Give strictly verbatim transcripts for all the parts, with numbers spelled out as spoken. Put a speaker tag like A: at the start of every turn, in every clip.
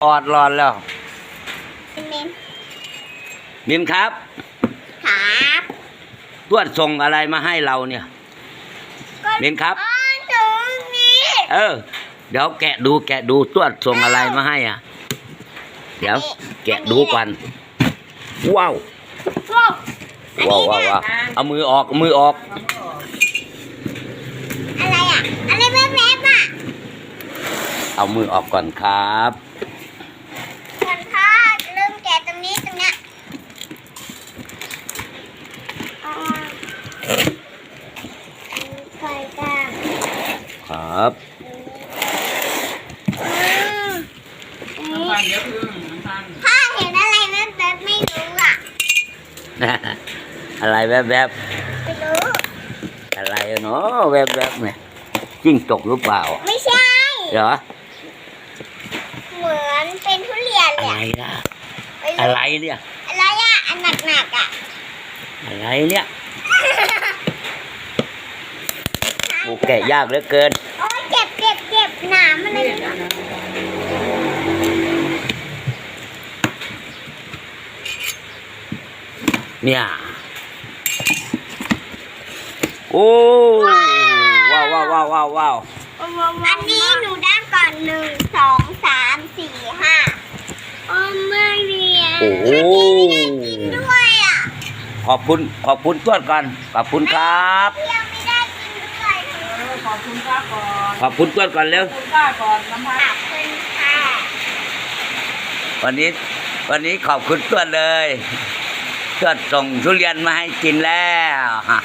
A: ออดรอนแล้ว
B: มิน
A: มินครับ
B: ครับ
A: ตรวจส่งอะไรมาให้เราเนี่ยมินครับ
B: ตรงนี้
A: เออเดี๋ยวแกะดูแกะดูตรวจส่งอะไรมาให้อ่ะเดี๋ยวแกะดูก่อนว้าวว้าวว้าวว้าวเอามือออกมือออก
B: อะไรอ่ะอะไรแวบๆอ่ะ
A: เอามือออกก่อนครับ
B: ก่อนค่ะลืมแกะตรงนี้ตรงเนี้ยไข่กาง
A: ครับ
B: ถ้าเห็นอะไรแวบๆไม่รู้อ่ะ
A: อะไรแวบๆ
B: ไม่รู้
A: อะไรเนาะแวบๆเนี่ยจิ้งจกหรือเปล่า
B: ไม่ใช่
A: เหรอ
B: เหมือนเป็นทุเรียน
A: อะไรล่ะอะไรเนี่ย
B: อะไรอ่ะอันหนักๆอ่ะ
A: อะไรเนี่ยโอ้แกะยากเหลือเกิน
B: โอ้ยเจ็บเจ็บเจ็บหนามอะไรเนี่ย
A: เนี่ยโอ้ว้าวว้าวว้าวว้าวว้าว
B: อันนี้หนูได้ก่อนหนึ่งสองสามสี่ห้าโอ้ไม่เรียน
A: โอ้โห
B: ด้วยอ่ะ
A: ขอบคุณขอบคุณต้วนกันขอบคุณครับ
B: เที่ยวไม่ได้กินด้วย
C: ขอบคุณป้าก่อน
A: ขอบคุณต้วนก่อนเร็ว
C: ขอบคุณป้าก่อนน้ำพัก
B: ขอบคุณค่ะ
A: วันนี้วันนี้ขอบคุณต้วนเลยต้วนส่งทุเรียนมาให้กินแล้ว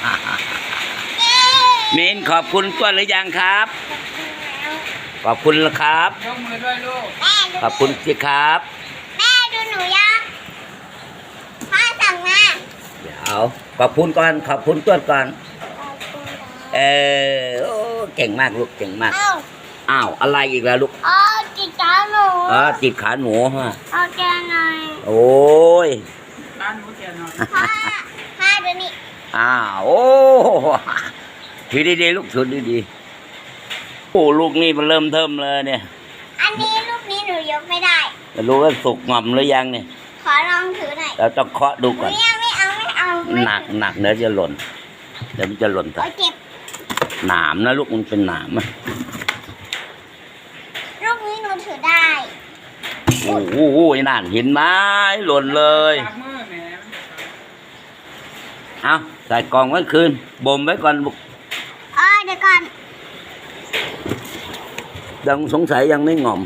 A: มินขอบคุณต้วนหรือยังครับขอบคุณครับ
C: ยกมือด้วยลูก
A: ขอบคุณสิครับ
B: แม่ดูหนูยังพ่อสั่งมา
A: เดี๋ยวขอบคุณก่อนขอบคุณต้วนก่อนเออโอ้เก่งมากลูกเก่งมากอ้าวอะไรอีกแล้วลูก
B: อ๋อติดขาหนู
A: อ๋อติดขาหนูฮะ
B: เอาแกหน่อย
A: โอ้ย
C: ร้านหนูแกหน่อย
B: พ่อพ่อดูนี่
A: อ้าวโอ้ถือดีๆลูกถือดีๆโอ้ลูกนี่มันเริ่มเทิมเลยเนี่ย
B: อันนี้ลูกนี้หนูยกไม่ได้
A: ไม่รู้ว่าสุกงอมหรือยังเนี่ย
B: ขอลองถือหน่อย
A: เราต้องเคาะดูก่อน
B: ไม่เอาไม่เอาไม่เอา
A: หนักหนักเดี๋ยวจะหล่นเดี๋ยวมันจะหล่นไป
B: เจ็บ
A: หนามนะลูกมันเป็นหนามอ่ะ
B: ลูกนี้หนูถือได้
A: โอ้โหนั่นเห็นไหมหล่นเลยเอาใส่กล่องไว้คืนบ่มไว้ก่อนลูก
B: อ๋อเดี๋ยวก่อน
A: ยังสงสัยยังไม่งอม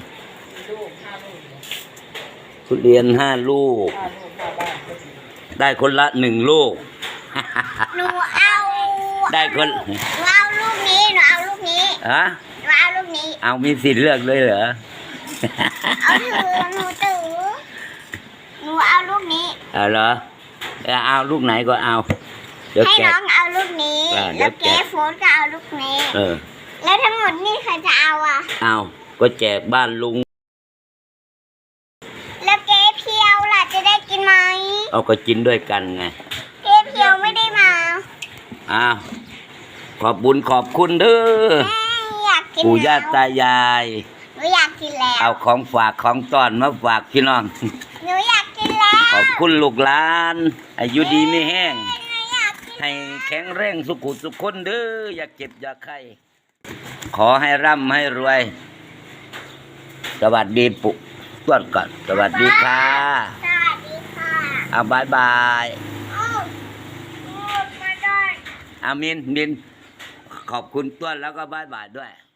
A: ทุเรียนห้าลูกได้คนละหนึ่งลูก
B: หนูเอา
A: ได้คน
B: หนูเอาลูกนี้หนูเอาลูกนี้
A: ฮะ
B: หนูเอาลูกนี้
A: เอามีสิทธิ์เลือกเลยเหรอ
B: เอาถือหนูถือหนูเอาลูกนี้
A: เอาเหรอเอาลูกไหนก็เอา
B: ให้น้องเอาลูกนี้แล้วเจ๊โฟนก็เอาลูกนี้
A: เออ
B: แล้วทั้งหมดนี่ใครจะเอาอ่ะ
A: เอาก็แจกบ้านลุง
B: แล้วเจ๊เพียวล่ะจะได้กินไหม
A: เอาก็กินด้วยกันไง
B: เจ๊เพียวไม่ได้มา
A: อ้าวขอบบุญขอบคุณเด้อปู่ย่าตายาย
B: หนูอยากกินแล้ว
A: เอาของฝากของต้อนมาฝากพี่น้อง
B: หนูอยากกินแล้ว
A: ขอบคุณลูกหลานอายุดีไม่แห้งให้แข็งแรงสุขุสุขคนเด้ออย่าเจ็บอย่าไข้ขอให้ร่ำให้รวยสวัสดีปุ๊ต้วนก่อนสวัสดีค่ะ
B: สวัสดีค่ะ
A: เอาบายบาย
B: อ้าวมาได้
A: อามินมินขอบคุณต้วนแล้วก็บายบายด้วย